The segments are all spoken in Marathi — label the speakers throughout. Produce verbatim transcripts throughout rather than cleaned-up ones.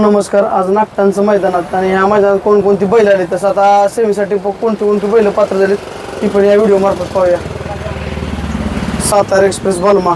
Speaker 1: नमस्कार. आज नागटांचं मैदानात आणि ह्या मैदानात कोणकोणती बैल आली तसं आता सेमीसाठी कोणती कोणती बैल पात्र झाली ती पण या व्हिडिओ मार्फत पाहूया. सातारा एक्सप्रेस बलमा.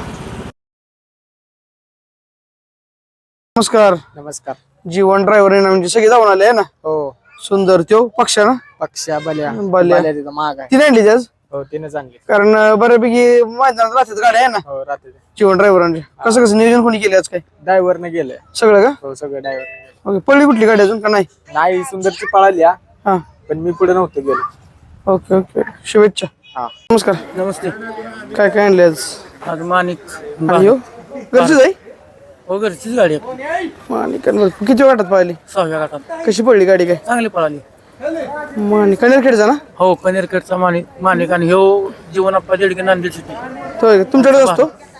Speaker 1: नमस्कार.
Speaker 2: नमस्कार.
Speaker 1: जीवन ड्रायव्हर म्हणजे सगळे जाऊन आले आहे ना.
Speaker 2: हो.
Speaker 1: सुंदर त्यो पक्षा ना
Speaker 2: पक्षा बल्या
Speaker 1: बल्या
Speaker 2: तिथं महाग आहे.
Speaker 1: ती आणली आज
Speaker 2: हो तिने चांगली
Speaker 1: कारण बऱ्यापैकी मैदानात राहतात गाड्या आहे ना.
Speaker 2: हो राहते
Speaker 1: जीवन ड्रायव्हरांचे कसं कसं नियोजन कोणी केले आज काय
Speaker 2: ड्रायव्हरने गेले
Speaker 1: सगळं का.
Speaker 2: हो सगळं ड्रायव्हर.
Speaker 1: ओके. पळली कुठली गाडी अजून का नाही.
Speaker 2: नाही सुंदरची पळाली हा
Speaker 1: हा
Speaker 2: पण मी पुढे नव्हतो गेलो.
Speaker 1: ओके ओके शुभेच्छा.
Speaker 2: हा
Speaker 1: नमस्कार.
Speaker 3: नमस्ते.
Speaker 1: काय काय आणले आज
Speaker 3: आज माणिक
Speaker 1: आणि हो घरचीच आहे
Speaker 3: हो घरचीच गाडी आहे.
Speaker 1: माणिक किती वाटत पाहिली
Speaker 3: सहाव्या गटात
Speaker 1: कशी पडली गाडी काय
Speaker 3: चांगली पळाली.
Speaker 1: माणिक कनेरखेडचा ना.
Speaker 3: हो कनेरखेडचा माणिक माणिक आणि ह्यो जीवनाप्पा देडके नांदेड सिटी.
Speaker 1: तो आहे का? तुमच्याकडे असतो.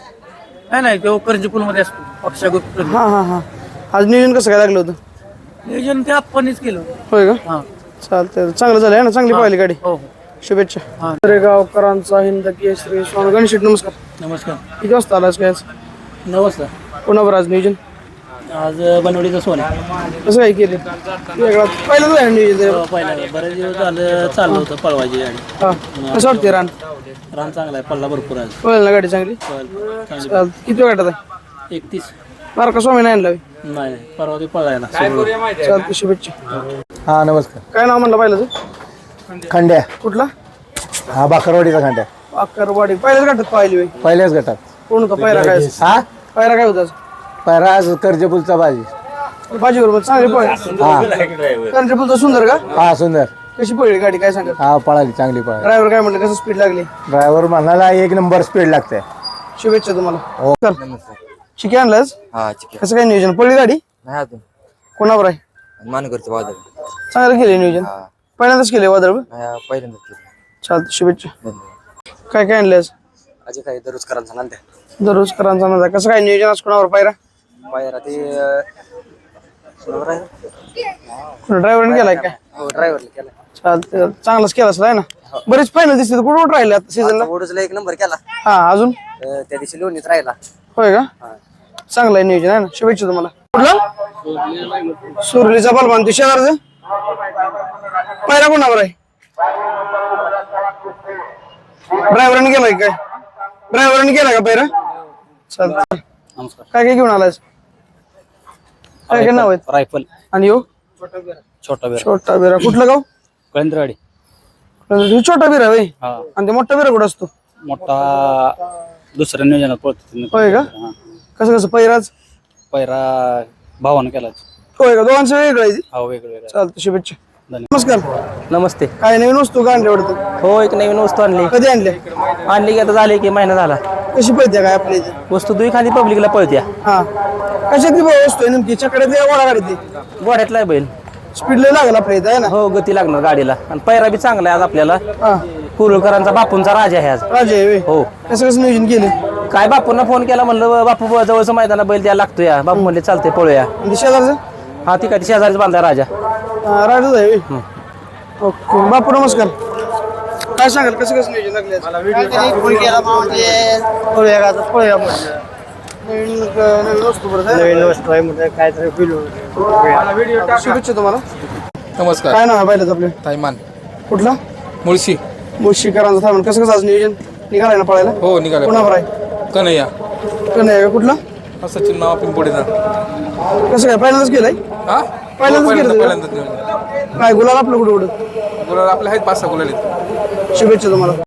Speaker 3: नाही नाही तो करंजीपूल मध्ये असतो पक्षा गुप्त.
Speaker 1: हा हा हा आज नियोजन कसं काय लागलं होतं.
Speaker 3: नियोजन ते आपणच केलं.
Speaker 1: होय का.
Speaker 3: हा
Speaker 1: चालतंय चांगलं झालं आहे ना. चांगली पाहिली गाडी.
Speaker 3: हो हो
Speaker 1: शुभेच्छा. गावकरांचा हिंद केसरी स्वामी गणेश नमस्कार.
Speaker 3: नमस्कार.
Speaker 1: किती वाजता आलास काय आज
Speaker 3: नमस्कार.
Speaker 1: कोणावर आज नियोजन
Speaker 3: आज बनवडीचा सोन
Speaker 1: कसं काय केले वेगळा पहिल्यांदा आहे नियोजन.
Speaker 3: पहिला बरेच दिवस झालं चाललं होतं पळवायची गाडी.
Speaker 1: हा कसं वाटते रान
Speaker 3: रान चांगला आहे पल्ला भरपूर आहे.
Speaker 1: पळेल ना गाडी चांगली.
Speaker 3: चांगली
Speaker 1: चाल किती वाटत आहे
Speaker 3: एकतीस
Speaker 1: बारा का स्वामी नाही आणलावी.
Speaker 3: नाही परवा ते पळायला.
Speaker 1: चालते शुभेच्छा.
Speaker 2: हा नमस्कार.
Speaker 1: काय नाव म्हणलं पाहिलं
Speaker 2: खंड्या.
Speaker 1: कुठला
Speaker 2: हा बाकरवाडीचा खंड्या.
Speaker 1: अक्करवाडी पहिल्याच गाठात पाहिली होय.
Speaker 2: पहिल्याच गटात.
Speaker 1: कोण होता पायरा काय
Speaker 2: हा
Speaker 1: पायरा काय होता
Speaker 2: पहिला आज कर्जपुलचा बाजी.
Speaker 1: भाजी बरोबर चांगली पळ
Speaker 2: हा
Speaker 1: कंट्रीपुलचा सुंदर का
Speaker 2: हा सुंदर.
Speaker 1: कशी पळली गाडी काय सांगत.
Speaker 2: हा पळाली चांगली पळाली.
Speaker 1: ड्रायव्हर काय म्हणलं कसं स्पीड लागली.
Speaker 2: ड्रायव्हर म्हणाला एक नंबर स्पीड लागते.
Speaker 1: शुभेच्छा तुम्हाला.
Speaker 2: हो.
Speaker 1: चिकी आणलास
Speaker 4: हा चिकन
Speaker 1: कसं काय नियोजन पळली गाडी
Speaker 4: नाही अजून
Speaker 1: कोणावर आहे.
Speaker 4: मानकरचं वादळ
Speaker 1: चांगलं केले नियोजन पहिल्यांदाच केले वादळ.
Speaker 4: नाही पहिल्यांदाच केलं.
Speaker 1: चालतं शुभेच्छा.
Speaker 4: धन्यवाद.
Speaker 1: काय काय आणले आज
Speaker 4: अजय काय दररोज करायला सांगा
Speaker 1: दररोज करांचा नव्हता कसं काय नियोजन आज कोणावर पायरा
Speaker 4: पायरा ते
Speaker 1: ड्रायव्हरने केलाय काय.
Speaker 4: हो ड्रायव्हरला केला.
Speaker 1: चालतं चांगलाच केला असं आहे ना. बरेच फायनल दिसते कुठं कुठं राहिले आता सीझनला.
Speaker 4: ओढूजला एक नंबर केला.
Speaker 1: हा अजून
Speaker 4: अं, त्या दिवशी लोणीत राहिला.
Speaker 1: होय का. चांगलं आहे नियोजन आहे ना. शुभेच्छा तुम्हाला. कुठला सुरलीचा बलवान ते शेजारचं पायरा कोणावर आहे. ड्रायव्हरने केलाय काय ड्रायव्हरने केला का पायरा. चालतं
Speaker 3: नमस्कार.
Speaker 1: काय काय घेऊन आलायस काय काय नाव आहेत
Speaker 3: रायफल
Speaker 1: आणि यो
Speaker 3: छोटा बेर
Speaker 1: छोटा बिरा कुठलं गाव
Speaker 3: कळंदरवाडी.
Speaker 1: हे छोटा बिरा होय
Speaker 3: हा
Speaker 1: आणि ते मोठा बिरा कुठं असतो.
Speaker 3: मोठा दुसऱ्या नियोजनात पळतो.
Speaker 1: होय का. कसं कसं पैराज
Speaker 3: पैरा भावानं केला.
Speaker 1: होय का दोघांचं वेगळं आहे.
Speaker 3: हा वेगळं वेगळं.
Speaker 1: चालतं शुभेच्छा.
Speaker 3: धन्यवाद.
Speaker 1: नमस्कार.
Speaker 5: नमस्ते.
Speaker 1: काय नवीन वस्तू का आणली वाटतं.
Speaker 5: हो एक नवीन वस्तू आणली.
Speaker 1: कधी आणले
Speaker 5: आणली की आता झाले की महिना झाला.
Speaker 1: कशी पळते काय आपल्या इथे.
Speaker 5: वस्तू दुई खाली पब्लिकला पळत्या.
Speaker 1: हा कशातली वस्तू आहे नेमकी चकड्यात वडा गाडी
Speaker 5: गोड्यातला आहे बैल.
Speaker 1: स्पीड लय लागेल आपल्या इथे आहे ना.
Speaker 5: हो गती लागणार गाडीला आणि पैरा बी चांगला आहे आज आपल्याला.
Speaker 1: हा
Speaker 5: कुरुलकरांचा बापूंचा राजा आहे आज.
Speaker 1: राजे आहे होय.
Speaker 5: हो
Speaker 1: कसं कसं नियोजन केले
Speaker 5: काय बापूंना फोन केला म्हणलं बापू जवळचं मैदाना बैल द्यायला लागतो या. बापू म्हणले चालते पळूया.
Speaker 1: आणि शेजारचं
Speaker 5: हा ती काय शेजारीच बांधा राजा.
Speaker 1: राजाच आहे होय. ओके बापू नमस्कार. काय सांगाल कसं कसं नियोजन लागले नवीन नवीन वस्तू बरं नवीन वस्तू आहे म्हणजे काय शुभेच्छा तुम्हाला.
Speaker 6: नमस्कार.
Speaker 1: काय नाव आहे पहिल्याच आपले
Speaker 6: ताईमान
Speaker 1: कुठला
Speaker 6: मुळशी.
Speaker 1: मुळशीकरांचा थांबून कसं कसं आज नियोजन निघालाय ना पळायला.
Speaker 6: हो निघाले.
Speaker 1: कोणावर आहे
Speaker 6: कन्हैया
Speaker 1: कन्हैया कुठला
Speaker 6: हा सचिन नाव पिंपोडीचा.
Speaker 1: कसं काय पहिल्यांदाच केलंय
Speaker 6: हा
Speaker 1: पहिल्यांदाच
Speaker 6: पहिल्यांदा
Speaker 1: केलं
Speaker 6: पहिल्यांदाच निघाले.
Speaker 1: काय गुलाल आपलं कुठं कुठं
Speaker 6: गुलाल आपले आहेत पाच सहा गुलाल आहेत.
Speaker 1: शुभेच्छा तुम्हाला.